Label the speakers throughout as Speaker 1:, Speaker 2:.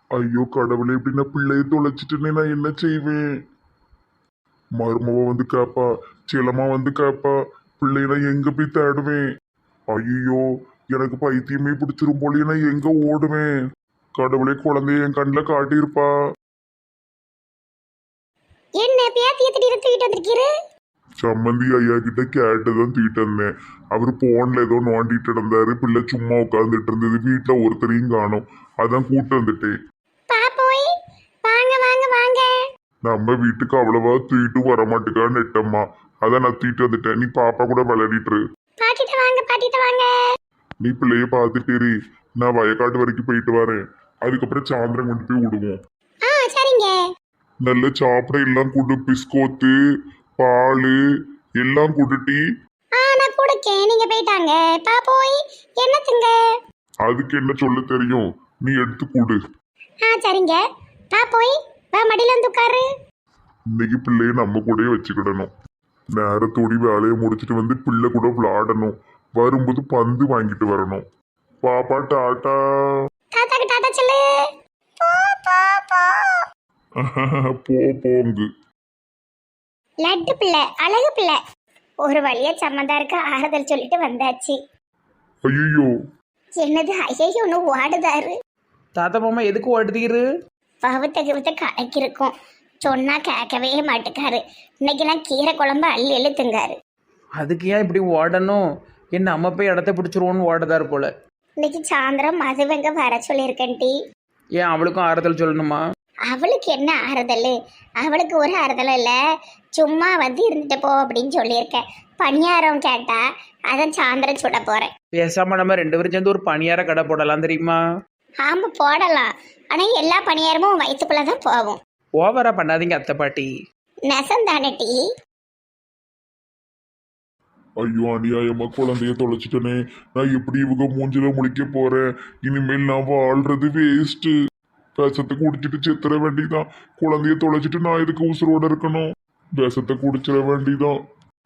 Speaker 1: ஐயோ கடவுளே, இப்படி நான் பிள்ளைய தொலைச்சிட்டுனே நான் என்ன செய்வேன்? மருமவ வந்து கேப்பா, செல்லம்மா வந்து கேப்பா, பிள்ளைய நான் எங்க போய் தேடுவேன்? ஐயோ, எனக்கு பைத்தியமே பிடிச்சிரும் போலயே, நான் எங்க ஓடுவேன்? கடவுளே, குழந்தைய என் கண்ணில் காட்டியிருப்பா.
Speaker 2: என்ன பேத்திய திடீர்னு தூக்கிட்டு வந்திருக்கீரு?
Speaker 1: சம்மந்தி ஐயா கிட்ட கேட்டுதான் தூக்கிட்டு வந்தேன். அவரு போன்ல ஏதோ நோண்டிட்டு இருந்தாரு, பிள்ளை சும்மா உட்காந்துட்டு இருந்தது, வீட்டுல ஒருத்தரையும் காணும், அதான் கூட்டு வந்துட்டேன்.
Speaker 2: பாப்போய், வாங்க வாங்க வாங்க.
Speaker 1: நம்ம வீட்டுக்கு அவ்வளவா தூக்கிட்டு வரமாட்டுக்கான்னு நெட்டம்மா, அதான் நான் தூக்கிட்டு வந்துட்டேன். நீ பாப்பா கூட விளையாடிட்டு.
Speaker 2: பாட்டிட்ட வாங்க, பாட்டிட்ட வாங்க.
Speaker 1: நீ பிள்ளைய பார்த்துட்டேரி, நான் வயக்காட்டு வரைக்கும் போயிட்டு வரேன். அதுக்கப்புறம் சாயந்தரம் கொண்டு போய் விடுவோம்.
Speaker 2: சரிங்க.
Speaker 1: நல்ல சாப்பிட எல்லாம் கொடு, பிஸ்கோத்து, பால் எல்லாம் கொடுட்டி.
Speaker 2: நான் கொடுக்கேன், நீங்க போயிட்டாங்க. பாப்போய், என்னத்துங்க?
Speaker 1: அதுக்கு என்ன சொல்ல தெரியும், நீ எடுத்து கொடு.
Speaker 2: சரிங்க. பாப்போய், வா மடியில வந்து உட்காரு.
Speaker 1: இன்னைக்கு பிள்ளைய நம்ம கூடயே வச்சுக்கிடணும். நேரத்தோடி வேலையை முடிச்சுட்டு வந்து பிள்ளை கூட விளையாடணும். வரும்போது பந்து வாங்கிட்டு வரணும். பாப்பா டாட்டா.
Speaker 2: தாத்தாக்கு டாட்டா சொல்லு. போ போ போ.
Speaker 1: போங்கு.
Speaker 2: லட்டு பிள்ளை, அழகு பிள்ளை. ஒரு வழியா சம்மந்தாருக்கு ஆறுதல் சொல்லிட்டு வந்தாச்சு.
Speaker 1: ஐயோ,
Speaker 2: என்னது ஐயோ ஒன்று ஓடுதாரு?
Speaker 3: தாத்தா மாமா எதுக்கு ஓடுதீரு?
Speaker 2: பகுத்த கிருத்த கணக்கு இருக்கும், சொன்னா கேட்கவே மாட்டுக்காரு. இன்னைக்கெல்லாம் கீரை குழம்பு அள்ளி எழுத்துங்காரு.
Speaker 3: அதுக்கு ஏன் இப்படி ஓடணும்? என்ன அம்மா போய் இடத்த பிடிச்சிருவோன்னு ஓடுதாரு போல.
Speaker 2: இன்னைக்கு சாயந்தரம் மதுவங்க வர சொல்லியிருக்கேன் டி.
Speaker 3: ஏன் அவளுக்கும் ஆறுதல் சொல்லணுமா?
Speaker 2: அவளுக்கு என்ன ஆறுதல்? அவளுக்கு ஒரு ஆறுதலும் இல்லை, சும்மா வந்து இருந்துட்டு போ அப்படின்னு சொல்லியிருக்கேன். பணியாரம் கேட்டா, அதான் சாயந்தரம் சுட போறேன்.
Speaker 3: பேசாம நம்ம 2 பேரும் சேர்ந்து ஒரு பணியார கடை போடலாம் தெரியுமா?
Speaker 2: ஆமா போடலாம், ஆனா எல்லா பணியாரமும் வயிற்றுக்குள்ளதான் போகும்.
Speaker 3: ஓவரா பண்ணாதீங்க அத்தை பாட்டி.
Speaker 2: நெசந்தானே டி.
Speaker 1: ஐயோ அநியாயமா குழந்தைய தொலைச்சிட்டனே. நான் எப்படி இவங்க மூஞ்சில முழிக்க போறேன்? இனிமேல் நான் வாழ்றது வேஸ்ட். விஷத்தை குடிச்சிட்டு செத்துற வேண்டிதான். குழந்தைய தொலைச்சிட்டு நான் இதுக்கு உசுரோட இருக்கணும். விஷத்தை குடிச்சிட வேண்டிதான்.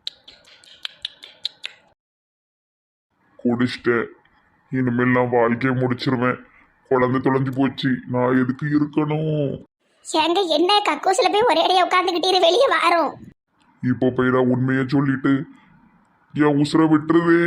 Speaker 1: குடிச்சிட்டேன், இனிமேல் நான் வாழ்க்கையை முடிச்சிருவேன். குழந்தை தொலைஞ்சு போச்சு, நான் எதுக்கு இருக்கணும்?
Speaker 2: ஏங்க என்ன கக்கூசில போய் ஒரே அடியா உட்காந்துக்கிட்டே வெளியே வாரோம்.
Speaker 1: இப்போ போய் நான் உண்மையை சொல்லிட்டு என் உசுரை விட்டுருதே.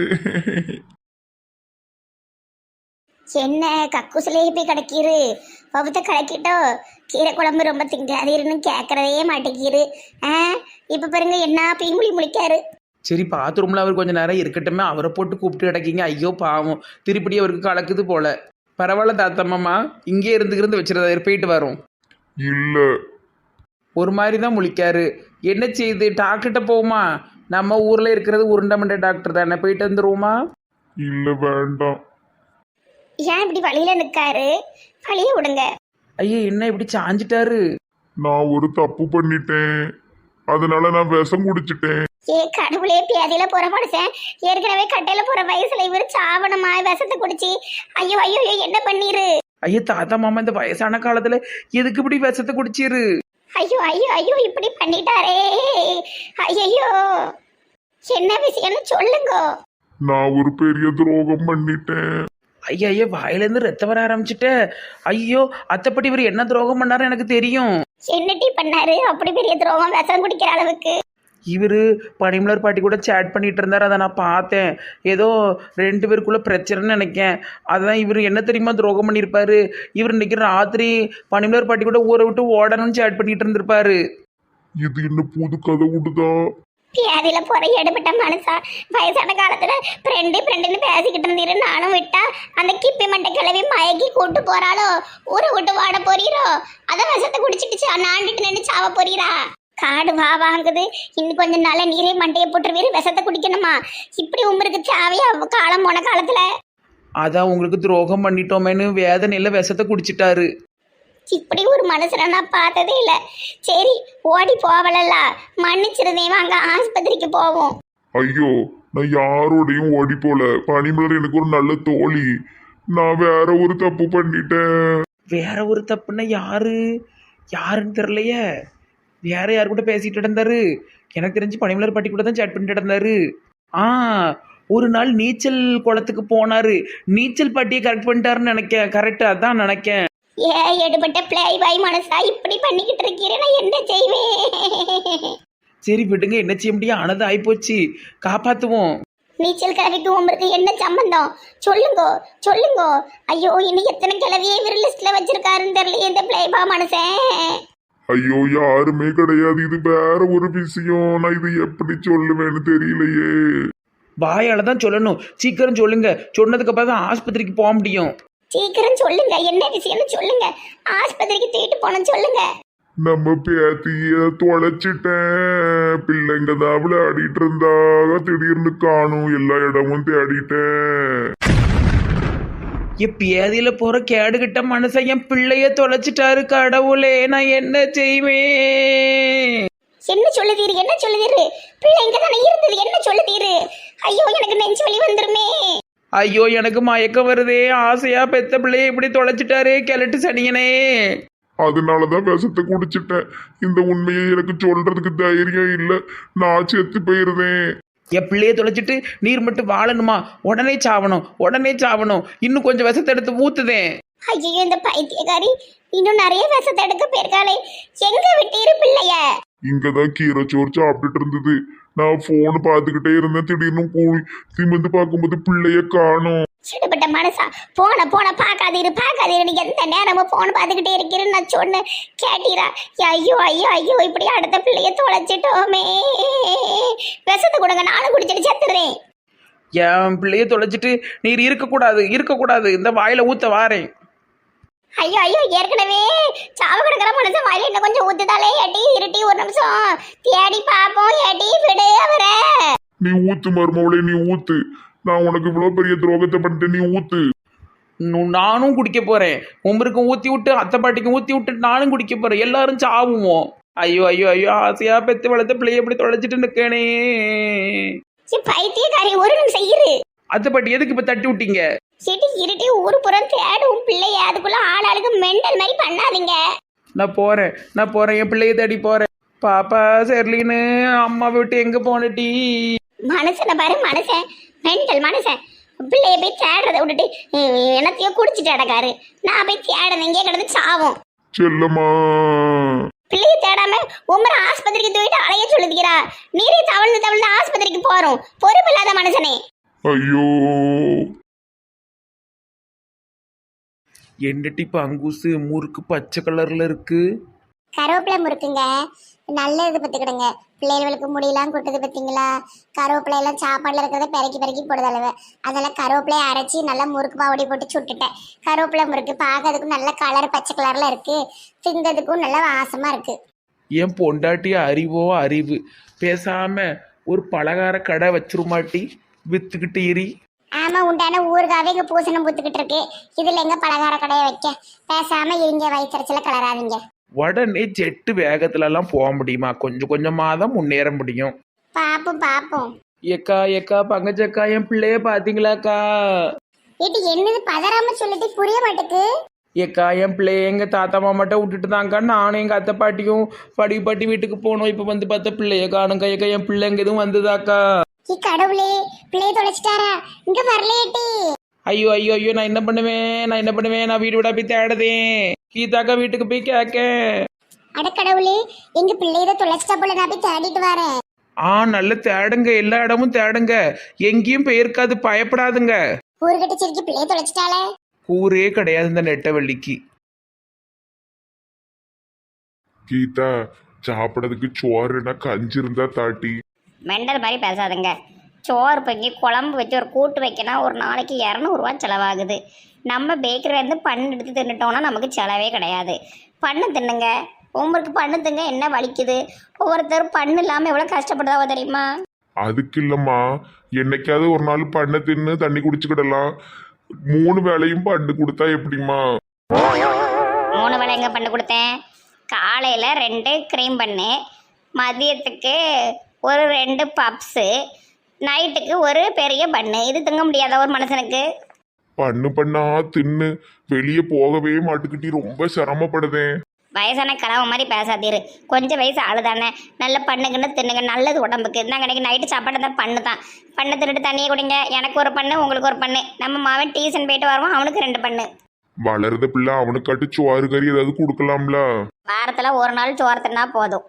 Speaker 2: என்ன கக்கூசிலே போய் கிடக்கீரு? பகுத்த கிடக்கிட்டோ, கீரை குழம்பு ரொம்ப திங்காதீருன்னு கேட்கறதே மாட்டேங்கிரு. இப்ப பாருங்க என்ன பீங்குழி முழிக்காரு.
Speaker 3: சரி பாத்ரூம்ல அவர் கொஞ்ச நேரம் இருக்கட்டுமே, அவரை போட்டு கூப்பிட்டு கிடக்கீங்க. ஐயோ பாவம், திருப்படி அவருக்கு கலக்குது போல. பரவாயில்ல தாத்தா மாமா, இங்கே இருந்து வச்சிருந்தாரு, போயிட்டு வரும்.
Speaker 1: இல்ல,
Speaker 3: ஒரு மாதிரி தான் முழிக்காரு. என்ன செய்யுது, டாக்டர்கிட்ட போகுமா? நம்ம ஊர்ல இருக்கிறது உருண்டமண்ட டாக்டர் தானே, போயிட்டு வந்துருவோமா?
Speaker 1: இல்ல வேண்டாம்.
Speaker 2: ஏன் இப்படி வழியில நிக்காரு? வழிய விடுங்க.
Speaker 3: ஐயோ என்ன இப்படி சாஞ்சிட்டாரு?
Speaker 1: நான் ஒரு தப்பு பண்ணிட்டேன், அதனால நான் விஷம் குடிச்சிட்டேன்.
Speaker 2: கடவுளே, பேதியில போற மனுஷன் ஏற்கனவே கட்டையில போற வயசுல இவரு சாவணமா விஷத்தை குடிச்சு? ஐயோ ஐயோ என்ன பண்ணீரு?
Speaker 3: ஐயோ தாத்தா மாமா இந்த வயசான காலத்துல எதுக்கு இப்படி விஷத்தை குடிச்சிரு?
Speaker 2: ஐயோ ஐயோ ஐயோ இப்படி பண்ணிட்டாரே. ஐயோ என்ன விஷயம்னு சொல்லுங்க.
Speaker 1: நான் ஒரு பெரிய துரோகம் பண்ணிட்டேன்.
Speaker 3: ஐயா ஐயா வாயிலேருந்து ரத்தம் வர ஆரம்பிச்சுட்ட. ஐயோ அத்தைப்பட்டி இவர் என்ன துரோகம் பண்ணாரு எனக்கு தெரியும்.
Speaker 2: என்னடி பண்ணாரு அப்படி பெரிய துரோகம் விஷம் குடிக்கிற அளவுக்கு?
Speaker 3: இவர் பனிமலர் பாட்டி கூட சேட் பண்ணிட்டு இருந்தார், அதை நான் பார்த்தேன். ஏதோ 2 பேருக்குள்ள பிரச்சனைன்னு நினைக்கேன். அதான் இவர் என்ன தெரியுமா துரோகம் பண்ணியிருப்பாரு, இவர் இன்னைக்கு ராத்திரி பனிமலர் பாட்டி கூட ஊரை விட்டு ஓடணும்னு சேட் பண்ணிட்டு இருந்திருப்பாரு.
Speaker 1: இது என்ன புது கதை விடுதா?
Speaker 2: பேதியில போற எடுபட்ட மனுஷா வயசான காலத்துல ஃப்ரெண்டுன்னு பேசிக்கிட்டு இருந்தீரு. நானும் விட்டா அந்த கிப்பி மண்டை கிளவி மயக்கி கூட்டு போறாளோ, ஊரை விட்டு வாட போறீரோ, அதான் விஷத்தை குடிச்சிட்டு நாண்டிட்டு நின்று சாவ போறீரா? காடு வா வாங்குது, இன்னும் கொஞ்ச நாள நீரே மண்டையை போட்டுருவீரு, விஷத்தை குடிக்கணுமா? இப்படி உமருக்கு தேவையா காலம் போன காலத்துல?
Speaker 3: அதான் உங்களுக்கு துரோகம் பண்ணிட்டோமேனு வேதனையில விஷத்தை குடிச்சிட்டாரு.
Speaker 2: இப்படி ஒரு மனுஷனை நான் பார்த்ததே இல்லை. சரி ஓடி போவலல்ல, மன்னிச்சிருந்தே, வாங்க ஆஸ்பத்திரிக்கு போவோம்.
Speaker 1: ஐயோ, நான் யாரோடையும் ஓடி போல. பனிமலர் எனக்கு ஒரு நல்ல தோழி. நான் வேற ஒரு தப்பு பண்ணிட்டேன்.
Speaker 3: வேற ஒரு தப்புன்னா யாருன்னு தெரியலையே. வேற யாரு கூட பேசிட்டு இருந்தாரு? எனக்கு தெரிஞ்சு பனிமலர் பாட்டி கூட தான் சேட் பண்ணிட்டு இருந்தாரு. ஒரு நாள் நீச்சல் குளத்துக்கு போனாரு, நீச்சல் பாட்டியை கரெக்ட் பண்ணிட்டாருன்னு நினைக்கேன். கரெக்ட், அதான் நினைக்கேன்.
Speaker 2: ஏ எடுபட்ட பிளே பாய் மனசா இப்படி பண்ணிக்கிட்டு இருக்கிறேன், நான் என்ன செய்வேன்?
Speaker 3: சரி விடுங்க, என்ன செய்ய முடியும், ஆனது ஆயிப்போச்சு, காப்பாத்துவோம்.
Speaker 2: நீச்சல் கிழவிக்கு உமருக்கு என்ன சம்பந்தம்? சொல்லுங்கோ சொல்லுங்கோ. ஐயோ, இன்னும் எத்தனை கிழவியை இவர் லிஸ்ட்ல வச்சிருக்காருன்னு தெரியல இந்த பிளேபா மனுஷன்.
Speaker 1: ஐயோ யாருமே கிடையாது, இது வேற ஒரு விஷயம். நான் இது எப்படி சொல்லுவேன்னு தெரியலையே.
Speaker 3: வாயால தான் சொல்லணும், சீக்கிரம் சொல்லுங்க, சொன்னதுக்கு அப்புறம் தான் ஆஸ்பத்திரிக்கு போக முடியும்.
Speaker 2: சீக்கிரம் சொல்லுங்க, என்ன விஷயம்னு சொல்லுங்க. ஆஸ்பத்திரிக்கு தூக்கிட்டு போன சொல்லுங்க.
Speaker 1: நம்ம பேத்திய தொலைச்சிட்டேன். பிள்ளைங்க தான் விளையாடிட்டு இருந்தாக, திடீர்னு காணும், எல்லா இடமும் தேடிட்டேன்.
Speaker 3: என் பேதியில போற கேடுகிட்ட மனுஷன் என் பிள்ளைய தொலைச்சிட்டாரு. கடவுளே, நான் என்ன செய்வேன்?
Speaker 2: என்ன சொல்லுதீரு, என்ன சொல்லுதீரு? பிள்ளை இங்க தானே இருந்தது, என்ன சொல்லுதீரு? ஐயோ, எனக்கு நெஞ்சு வலி வந்துருமே.
Speaker 3: ஐயோ, எனக்கு மயக்கம் வருதே. ஆசையா பெத்த பிள்ளைய இப்படி தொலைச்சிட்டாரே, கிழட்டு சனியனே.
Speaker 1: அதனாலதான் விஷத்தை குடிச்சிட்டேன். இந்த உண்மையை எனக்கு சொல்றதுக்கு தைரியம் இல்லை. நான் செத்து போயிருந்தேன்.
Speaker 3: என் பிள்ளைய தொலைச்சிட்டு நீர் மட்டும் வாழணுமா? உடனே சாவணும், உடனே சாவணும். இன்னும் கொஞ்சம் விஷத்தை எடுத்து ஊத்துதேன்.
Speaker 2: ஐயோ, இந்த பைத்தியக்காரி இன்னும் நிறைய விஷத்தை எடுக்க போயிருக்காளே. எங்க விட்டீரு பிள்ளைய?
Speaker 1: இங்கதான் கீரை சோறு சாப்பிட்டுட்டு இருந்தது. நான் போன் பார்த்துக்கிட்டே இருந்தேன். திடீர்னு கூழ் திமிந்து பார்க்கும்போது பிள்ளைய காணும்.
Speaker 2: சிடுபட்ட மனசா, போன போன பாக்காதீரு பாக்காதீரு, நீ எந்த நேரமும் போன் பார்த்துக்கிட்டே இருக்கிறேன்னு நான் சொன்னேன், கேட்டீரா? ஐயோ ஐயோ ஐயோ, இப்படி அடுத்த பிள்ளைய தொலைச்சிட்டோமே. விஷத்தை கொடுங்க, நானும் குடிச்சிட்டு செத்துறேன்.
Speaker 3: என் பிள்ளைய தொலைச்சிட்டு நீர் இருக்கக்கூடாது, இருக்கக்கூடாது. இந்த வாயில ஊத்த வாரேன்.
Speaker 2: ஐயோ ஐயோ, ஏற்கனவே சாவ கிடக்கிற மனுஷன் வாயில இன்னும் கொஞ்சம் ஊத்துதாலே. ஏட்டி இருட்டி, ஒரு நிமிஷம் தேடி பாப்போம். ஏட்டி விடு அவரை.
Speaker 1: நீ ஊத்து மருமவளே, நீ ஊத்து. நான் உனக்கு இவ்வளவு பெரிய துரோகத்தை பண்ணிட்டு நீ ஊத்து.
Speaker 3: நானும் குடிக்க போறேன். உமருக்கும் ஊத்தி விட்டு, அத்தை பாட்டிக்கும் ஊத்தி விட்டு நானும் குடிக்க போறேன். எல்லாரும் சாவுவோம். ஐயோ ஐயோ ஐயோ, ஆசையா பெத்து வளர்த்த பிள்ளைய எப்படி தொலைச்சிட்டு நிக்கனே.
Speaker 2: பைத்தியக்காரி, ஒரு நிமிஷம் இரு.
Speaker 3: அத்தை பாட்டி எதுக்கு இப்ப தட்டி விட்டீங்க?
Speaker 2: சிட்டி இருட்டி ஊரு புறம் தேடும் பிள்ளைய, அதுக்குள்ள ஆளாளுக்கு மெண்டல் மாதிரி பண்ணாதீங்க.
Speaker 3: நான் போறேன், என் பிள்ளைய தேடி போறேன். பாப்பா செர்லின்னு அம்மா விட்டு எங்க போனட்டி?
Speaker 2: மனுஷனை பாரு, மனுஷன் மெண்டல் மனுஷன். பிள்ளைய போய் தேடுறதை விட்டுட்டு என்னத்தையோ குடிச்சிட்டு அடக்காரு. நான் போய் தேடுறேன், இங்கே கிடந்து சாவும்.
Speaker 1: செல்லம்மா,
Speaker 2: பிள்ளைய தேடாம உமரை ஆஸ்பத்திரிக்கு தூக்கிட்டு அலைய சொல்லுகிறா. நீரே தவழ்ந்து தவழ்ந்து ஆஸ்பத்திரிக்கு போறோம். பொறுப்பு இல்லாத மனுஷனே.
Speaker 1: ஐயோ
Speaker 3: என்னட்டி பங்குசு முறுக்கு பச்சை கலர்ல இருக்கு.
Speaker 2: கருவேப்பிலை முறுக்குங்க, நல்ல இது பத்துக்கிடுங்க. பிள்ளைகளுக்கு முடியெல்லாம் கொட்டுது பார்த்தீங்களா? கருவேப்பிலை எல்லாம் சாப்பாடுல இருக்கிறத பெருக்கி பெருக்கி போடுதளவு. அதெல்லாம் கருவேப்பிலையை அரைச்சி நல்லா முறுக்கு பாவடி போட்டு சுட்டுட்டேன். கருவேப்பிலை முறுக்கு பார்க்கறதுக்கும் நல்ல கலர் பச்சை கலர்ல இருக்கு, திங்கிறதுக்கும் நல்ல வாசமா இருக்கு.
Speaker 3: என் பொண்டாட்டி அறிவோ அறிவு, பேசாம ஒரு பலகார கடை வச்சிருமாட்டி, வித்துக்கிட்டு எரி.
Speaker 2: ஆமா, உண்டான ஊருக்காவே இங்க பூசணம் பூத்துக்கிட்டு இருக்கு. இதுல எங்க பலகார கடையை வைக்க? பேசாம இருங்க, வயிற்றுல கலராதீங்க.
Speaker 3: உடனே ஜெட்டு வேகத்துல எல்லாம் போக முடியுமா? கொஞ்சம் கொஞ்சமா தான் முன்னேற முடியும்.
Speaker 2: பாப்போம் பாப்போம்.
Speaker 3: ஏக்கா பங்கஜக்கா, என் பிள்ளைய பாத்தீங்களாக்கா?
Speaker 2: இது என்னது பதறாம சொல்லிட்டு புரிய மாட்டேக்கு.
Speaker 3: ஏக்கா, என் பிள்ளைய எங்க தாத்தா மாமாட்ட விட்டுட்டு தாங்க்கா நானும் எங்க அத்தை பாட்டியும் பாட்டி வீட்டுக்கு போனோம். இப்ப வந்து பார்த்த பிள்ளைய காணுங்க. ஏக்கா, என் பிள்ளை எங்க எதுவும் வந்ததாக்கா?
Speaker 2: கடவுளே, பிள்ளைய தொலைச்சிட்டாரா? இங்க வரலையேட்டி.
Speaker 3: ஐயோ ஐயோ ஐயோ, நான் என்ன பண்ணுவேன்? நான் வீடு விடா போய் தேடுதேன். கீதாக்கா வீட்டுக்கு போய் கேட்க.
Speaker 2: அட கடவுளே, எங்க பிள்ளைய தொலைச்சிட்டா போல, நான் போய் தேடிட்டு வரேன்.
Speaker 3: நல்ல தேடுங்க, எல்லா இடமும் தேடுங்க, எங்கேயும் போயிருக்காது, பயப்படாதுங்க.
Speaker 2: ஊருகிட்ட சிரிக்கி பிள்ளைய தொலைச்சிட்டாளே.
Speaker 3: ஊரே கிடையாது இந்த நெட்டவள்ளிக்கு.
Speaker 1: கீதா, சாப்பிடறதுக்கு சோறுனா கஞ்சி இருந்தா தாட்டி.
Speaker 2: மெண்டல் மாதிரி பேசாதுங்க. சோறு பொங்கி குழம்பு வச்சு ஒரு கூட்டு வைக்கணும், ஒரு நாளைக்கு 200 ரூபா செலவாகுது. நம்ம பேக்கரியிலேருந்து பண்ணு எடுத்து தின்னுட்டோம்னா நமக்கு செலவே கிடையாது. பண்ணு தின்னுங்க, உங்களுக்கு பண்ணு திங்க என்ன வலிக்குது? ஒவ்வொருத்தரும் பண்ணு இல்லாமல் எவ்வளோ கஷ்டப்படுதாவோ தெரியுமா?
Speaker 1: அதுக்கு இல்லம்மா, என்னைக்காவது ஒரு நாள் பண்ண தின்னு தண்ணி குடிச்சுக்கிடலாம். 3 வேளையும் பண்ணு கொடுத்தா எப்படிம்மா?
Speaker 2: 3 வேளை எங்கே பண்ணு கொடுத்தேன்? காலையில் 2 க்ரீம் பண்ணு, மதியத்துக்கு ஒரு 2 பப்ஸு, நைட்டுக்கு ஒரு பெரிய பண்ணு. இது திங்க முடியாத ஒரு மனுஷனுக்கு?
Speaker 1: பண்ணா தின்னு வெளியே போகவே மாட்டுக்கிட்டி, ரொம்ப சிரமப்படுதேன்.
Speaker 2: வயசான கலவை மாதிரி பேசாதீரு. கொஞ்சம் வயசு ஆளுதானே, நல்ல பண்ணுக்குன்னு தின்னுங்க, நல்லது உடம்புக்கு. நாங்கள் எனக்கு நைட்டு சாப்பாடு தான் பண்ணு தான். பண்ணை தின்னுட்டு தண்ணியை குடிங்க. எனக்கு ஒரு பண்ணு, உங்களுக்கு ஒரு பண்ணு. நம்ம மாவன் டியூஷன் போயிட்டு வருவோம், அவனுக்கு 2 பண்ணு.
Speaker 1: வளருத பிள்ளை அவனுக்காட்டு சோறு கறி ஏதாவது கொடுக்கலாம்ல.
Speaker 2: வாரத்துல ஒரு நாள் சோறு தின்னா போதும்.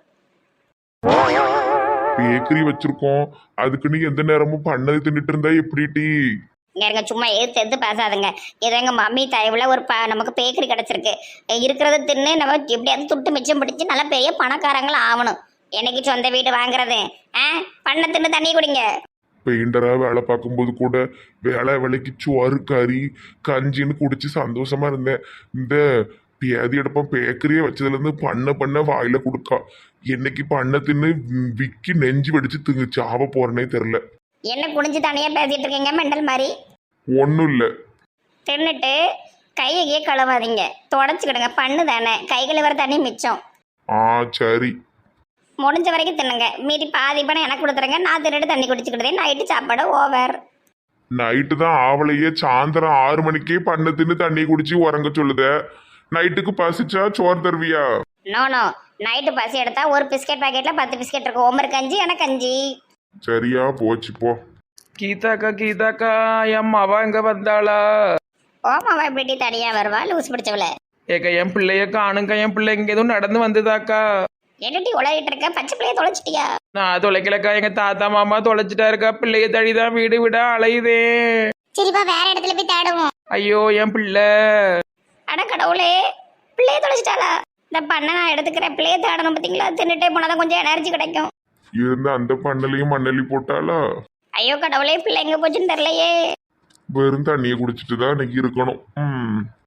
Speaker 1: பேக்கரி வச்சிருக்கோம், அதுக்குன்னு எந்த நேரமும் பண்ணது தின்னுட்டு இருந்தா எப்படி டீ?
Speaker 2: இங்க இருங்க, சும்மா எது பேசாதுங்க. ஏதோ எங்க மம்மி தயவுல ஒரு நமக்கு பேக்கரி கிடைச்சிருக்கு. இருக்கிறத தின்னு நம்ம எப்படியாவது துட்டு மிச்சம் பிடிச்சு நல்ல பெரிய பணக்காரங்களா ஆகணும். என்னைக்கு சொந்த வீடு வாங்குறது? பண்ண தின்னு தண்ணி குடிங்க.
Speaker 1: பெயிண்டரா வேலை பார்க்கும்போது கூட வேலைக்கு சோறு கறி கஞ்சின்னு குடிச்சு சந்தோஷமா இருந்தேன். இந்த பேதி எடுப்போம் பேக்கரியே வச்சதுல இருந்து பண்ண வாயில கொடுக்கா. என்னைக்கு பண்ண தின்னு விக்கி நெஞ்சு வெடிச்சு திங்கு சாவ போறேனே தெரில.
Speaker 2: என்ன குடிஞ்சு தனியா பேசிட்டு இருக்கீங்க மெண்டல் மாதிரி?
Speaker 1: ஒன்றும் இல்லை.
Speaker 2: தின்னுட்டு கையை கழுவாதீங்க, தொடச்சிக்கிடுங்க. பண்ணு தானே, கை கழுவுற தண்ணி மிச்சம்.
Speaker 1: சரி.
Speaker 2: முடிஞ்ச வரைக்கும் தின்னுங்க. மீதி பாதி பணம் எனக்கு கொடுத்துருங்க, நான் தின்னுட்டு தண்ணி குடிச்சுக்கிட்டதே. நைட்டு சாப்பாடு ஓவர்.
Speaker 1: நைட்டு தான் ஆவலையே, சாயந்தரம் 6 மணிக்கே பண்ண தின்னு தண்ணி குடிச்சு உறங்க சொல்லுத. நைட்டுக்கு பசிச்சா சோறு தருவியா?
Speaker 2: நோ, நைட்டு பசி எடுத்தா ஒரு பிஸ்கெட் பாக்கெட்ல 10 பிஸ்கெட் இருக்கும். ஒவ்வொரு கஞ்சி எனக்கு கஞ்சி.
Speaker 1: சரியா போச்சு போ.
Speaker 3: கீதாக்கா என் அவ எங்க வந்தாளா?
Speaker 2: ஓமாவா எப்படி தனியா வருவா லூஸ் பிடிச்சவள?
Speaker 3: ஏக்கா என் பிள்ளைய காணுங்க, என் பிள்ளை இங்க எதுவும் நடந்து வந்ததாக்கா?
Speaker 2: என்னடி உலகிட்டு இருக்க? பச்சை பிள்ளைய தொலைச்சிட்டியா?
Speaker 3: நான் தொலைக்கலக்கா, எங்க தாத்தா மாமா தொலைச்சிட்டா இருக்கா. பிள்ளைய தடிதான் வீடு விட அலையுதே.
Speaker 2: சரிப்பா, வேற இடத்துல போய் தேடுவோம்.
Speaker 3: ஐயோ என் பிள்ளை.
Speaker 2: அட கடவுளே, பிள்ளைய தொலைச்சிட்டாளா? இந்த பண்ண நான் எடுத்துக்கிறேன். பிள்ளைய தேடணும் பார்த்தீங்களா? தின்னுட்டே போனாதான் கொஞ்சம் எனர்ஜி கிடைக்கும்.
Speaker 1: இருந்து அந்த பண்ணலையும் மண்ணலி போட்டாலா?
Speaker 2: ஐயோ கடவுளே, பிள்ளை எங்க போச்சுன்னு தெரியலையே.
Speaker 1: வெறும் தண்ணியை குடிச்சிட்டு தான் இன்னைக்கு இருக்கணும்.